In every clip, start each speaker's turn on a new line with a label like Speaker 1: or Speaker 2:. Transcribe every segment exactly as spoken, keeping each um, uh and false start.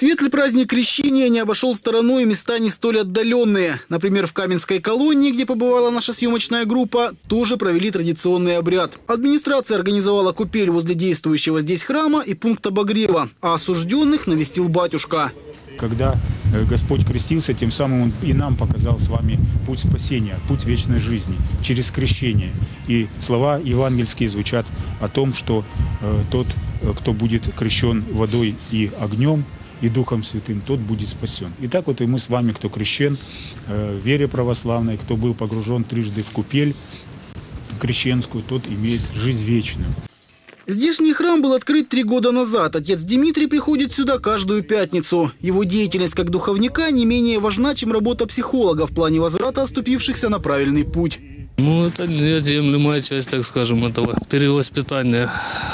Speaker 1: Светлый праздник Крещения не обошел стороной места не столь отдаленные. Например, в Каменской колонии, где побывала наша съемочная группа, тоже провели традиционный обряд. Администрация организовала купель возле действующего здесь храма и пункт обогрева, а осужденных навестил батюшка.
Speaker 2: Когда Господь крестился, тем самым Он и нам показал с вами путь спасения, путь вечной жизни через крещение. И слова евангельские звучат о том, что э, тот, кто будет крещен водой и огнем, и Духом Святым, тот будет спасен. И так вот и мы с вами, кто крещен э, в вере православной, кто был погружен трижды в купель крещенскую, тот имеет жизнь вечную.
Speaker 1: Здешний храм был открыт три года назад. Отец Дмитрий приходит сюда каждую пятницу. Его деятельность как духовника не менее важна, чем работа психолога в плане возврата оступившихся на правильный путь.
Speaker 3: Ну, это неотъемлемая часть, так скажем, этого перевоспитания.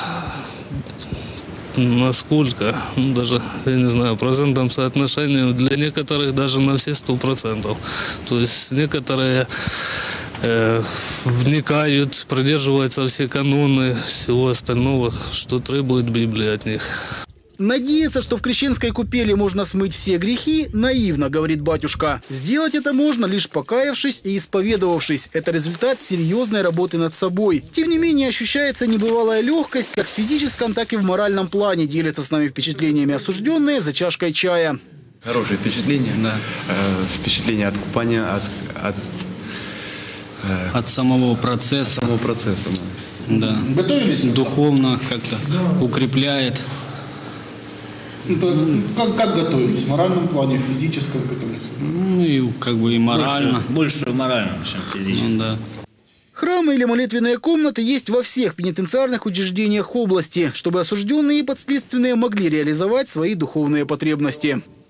Speaker 3: Насколько, ну, даже, я не знаю, процентном соотношении, для некоторых даже на все сто процентов. То есть некоторые э, вникают, придерживаются все каноны, всего остального, что требует Библия от них.
Speaker 1: Надеяться, что в крещенской купели можно смыть все грехи, наивно, говорит батюшка. Сделать это можно, лишь покаявшись и исповедовавшись. Это результат серьезной работы над собой. Тем не менее, ощущается небывалая легкость, как в физическом, так и в моральном плане. Делятся с нами впечатлениями осужденные за чашкой чая.
Speaker 4: Хорошее впечатление, да. Э, впечатление от купания, от, от,
Speaker 5: э, от самого процесса.
Speaker 4: Самого процесса,
Speaker 5: да. Да. Готовились? Духовно как-то да. Укрепляет.
Speaker 6: Это, как, как готовились? В моральном плане, в физическом к этому?
Speaker 5: Ну и как бы и морально.
Speaker 7: Больше, больше морально, чем физически.
Speaker 5: Ну, да.
Speaker 1: Храмы или молитвенные комнаты есть во всех пенитенциарных учреждениях области, чтобы осужденные и подследственные могли реализовать свои духовные потребности.